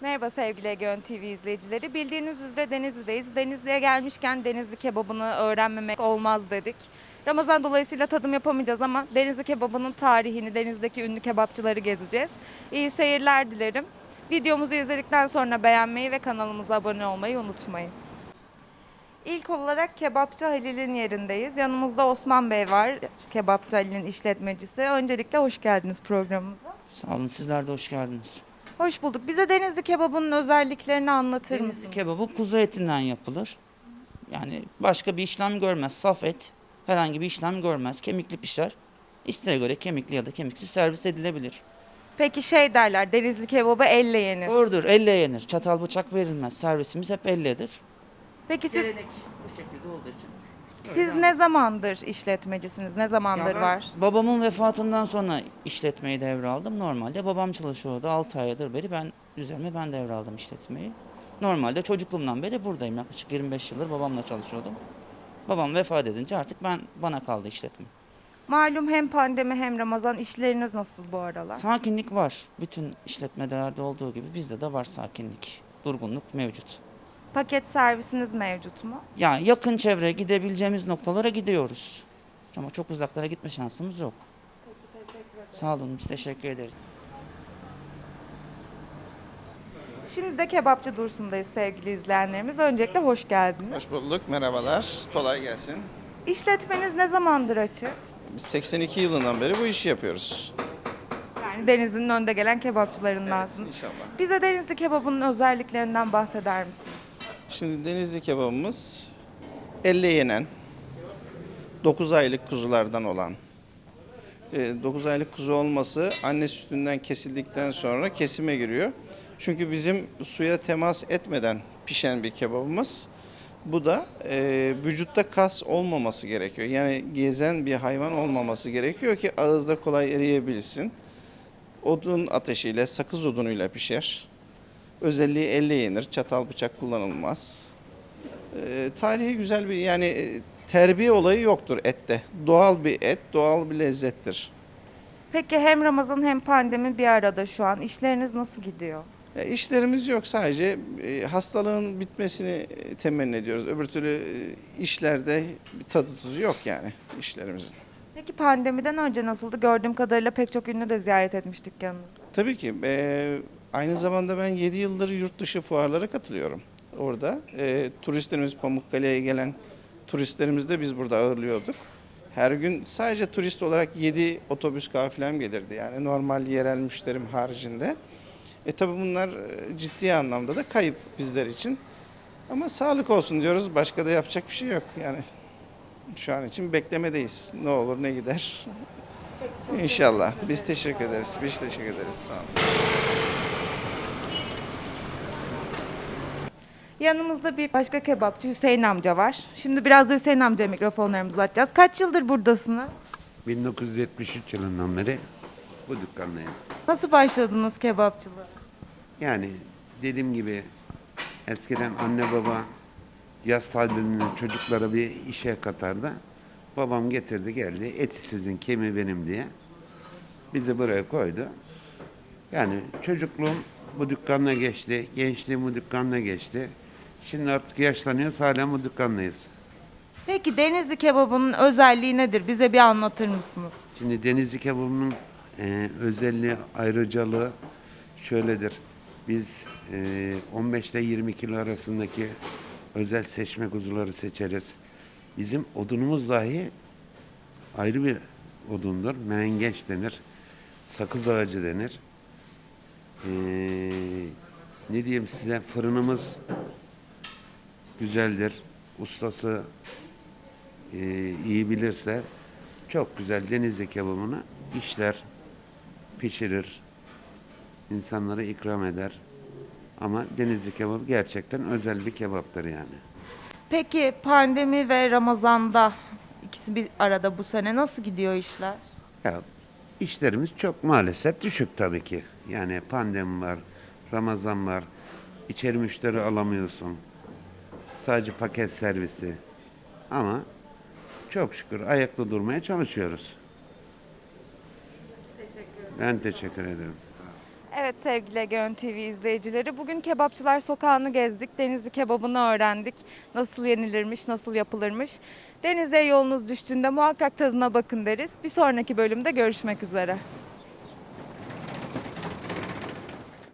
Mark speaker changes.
Speaker 1: Merhaba sevgili Egeon TV izleyicileri. Bildiğiniz üzere Denizli'deyiz. Denizli'ye gelmişken Denizli kebabını öğrenmemek olmaz dedik. Ramazan dolayısıyla tadım yapamayacağız ama Denizli kebabının tarihini, Denizli'deki ünlü kebapçıları gezeceğiz. İyi seyirler dilerim. Videomuzu izledikten sonra beğenmeyi ve kanalımıza abone olmayı unutmayın. İlk olarak Kebapçı Halil'in yerindeyiz. Yanımızda Osman Bey var, Kebapçı Halil'in işletmecisi. Öncelikle hoş geldiniz programımıza.
Speaker 2: Sağ olun, sizler de hoş geldiniz.
Speaker 1: Hoş bulduk. Bize Denizli kebabının özelliklerini anlatır
Speaker 2: Denizli
Speaker 1: mısınız?
Speaker 2: kebabı kuzu etinden yapılır. Yani başka bir işlem görmez. Saf et herhangi bir işlem görmez. Kemikli pişer. İsteğe göre kemikli ya da kemiksiz servis edilebilir.
Speaker 1: Peki şey derler, Denizli kebabı elle yenir.
Speaker 2: Doğrudur, elle yenir. Çatal bıçak verilmez. Servisimiz hep elledir.
Speaker 1: Peki
Speaker 2: Gelenek bu şekilde olduğu için.
Speaker 1: siz ne zamandır işletmecisiniz? Ne zamandır var?
Speaker 2: Babamın vefatından sonra işletmeyi devraldım. Normalde babam çalışıyordu. 6 aydır beri ben devraldım işletmeyi. Normalde çocukluğumdan beri buradayım. Yaklaşık 25 yıldır babamla çalışıyordum. Babam vefat edince artık bana kaldı işletme.
Speaker 1: Malum hem pandemi hem Ramazan, işleriniz nasıl bu aralar?
Speaker 2: Sakinlik var. Bütün işletmelerde olduğu gibi bizde de var sakinlik. Durgunluk mevcut.
Speaker 1: Paket servisiniz mevcut mu?
Speaker 2: Yani yakın çevre gidebileceğimiz noktalara gidiyoruz. Ama çok uzaklara gitme şansımız yok. Sağ olun, biz teşekkür ederiz.
Speaker 1: Şimdi de Kebapçı Dursun'dayız sevgili izleyenlerimiz. Öncelikle hoş geldiniz.
Speaker 3: Hoş bulduk, merhabalar. Kolay gelsin.
Speaker 1: İşletmeniz ne zamandır açık?
Speaker 3: Biz 82 yılından beri bu işi yapıyoruz.
Speaker 1: Yani Denizli'nin önde gelen kebapçılarındansınız.
Speaker 3: İnşallah.
Speaker 1: Bize Denizli kebabının özelliklerinden bahseder misiniz?
Speaker 3: Şimdi denizli kebabımız elle yenen, 9 aylık kuzulardan olan. 9 aylık kuzu olması anne sütünden kesildikten sonra kesime giriyor. Çünkü bizim suya temas etmeden pişen bir kebabımız. Bu da vücutta kas olmaması gerekiyor. Yani gezen bir hayvan olmaması gerekiyor ki ağızda kolay eriyebilsin. Odun ateşiyle, sakız odunuyla pişer. Özelliği elle yenir, çatal bıçak kullanılmaz. Tarihi güzel bir terbiye olayı yoktur ette. Doğal bir et, doğal bir lezzettir.
Speaker 1: Peki hem Ramazan hem pandemi bir arada şu an. İşleriniz nasıl gidiyor?
Speaker 3: İşlerimiz yok, sadece hastalığın bitmesini temenni ediyoruz. Öbür türlü işlerde bir tadı tuzu yok yani işlerimizin.
Speaker 1: Peki pandemiden önce nasıldı? Gördüğüm kadarıyla pek çok ünlü de ziyaret etmiş dükkanınızı.
Speaker 3: Tabii ki aynı zamanda ben 7 yıldır yurt dışı fuarlara katılıyorum. Orada turistlerimiz, Pamukkale'ye gelen turistlerimizi de biz burada ağırlıyorduk. Her gün sadece turist olarak 7 otobüs kafilem gelirdi. Yani normal yerel müşterim haricinde. Tabii bunlar ciddi anlamda da kayıp bizler için. Ama sağlık olsun diyoruz. Başka da yapacak bir şey yok. Yani şu an için beklemedeyiz. Ne olur ne gider. İnşallah. Biz teşekkür ederiz. Biz teşekkür ederiz. Sağ olun.
Speaker 1: Yanımızda bir başka kebapçı Hüseyin amca var. Şimdi biraz da Hüseyin amcaya mikrofonlarımızı uzatacağız. Kaç yıldır buradasınız?
Speaker 4: 1973 yılından beri bu dükkandayım.
Speaker 1: Nasıl başladınız kebapçılığa?
Speaker 4: Yani dediğim gibi eskiden anne baba yaz tatilinde çocuklara bir işe katardı. Babam getirdi geldi, eti sizin kemiği benim diye. Bizi buraya koydu. Yani çocukluğum bu dükkanla geçti, gençliğim bu dükkanla geçti. Şimdi artık yaşlanıyoruz, hala bu dükkandayız.
Speaker 1: Peki Denizli kebabının özelliği nedir? Bize bir anlatır mısınız?
Speaker 4: Şimdi Denizli kebabının özelliği, ayrıcalığı şöyledir. Biz 15 ile 20 kilo arasındaki özel seçme kuzuları seçeriz. Bizim odunumuz dahi ayrı bir odundur. Mengeç denir. Sakız ağacı denir. Ne diyeyim size, fırınımız güzeldir. Ustası iyi bilirse çok güzel Denizli kebabını işler, pişirir, insanlara ikram eder. Ama Denizli kebabı gerçekten özel bir kebaptır yani.
Speaker 1: Peki pandemi ve Ramazan'da ikisi bir arada bu sene nasıl gidiyor işler?
Speaker 4: Ya işlerimiz çok maalesef düşük tabii ki. Yani pandemi var, Ramazan var, içeri müşteri alamıyorsun. Sadece paket servisi. Ama çok şükür ayakta durmaya çalışıyoruz. Ben teşekkür ederim.
Speaker 1: Evet sevgili Egeon TV izleyicileri, bugün Kebapçılar Sokağı'nı gezdik. Denizli kebabını öğrendik. Nasıl yenilirmiş, nasıl yapılırmış. Denizli'ye yolunuz düştüğünde muhakkak tadına bakın deriz. Bir sonraki bölümde görüşmek üzere.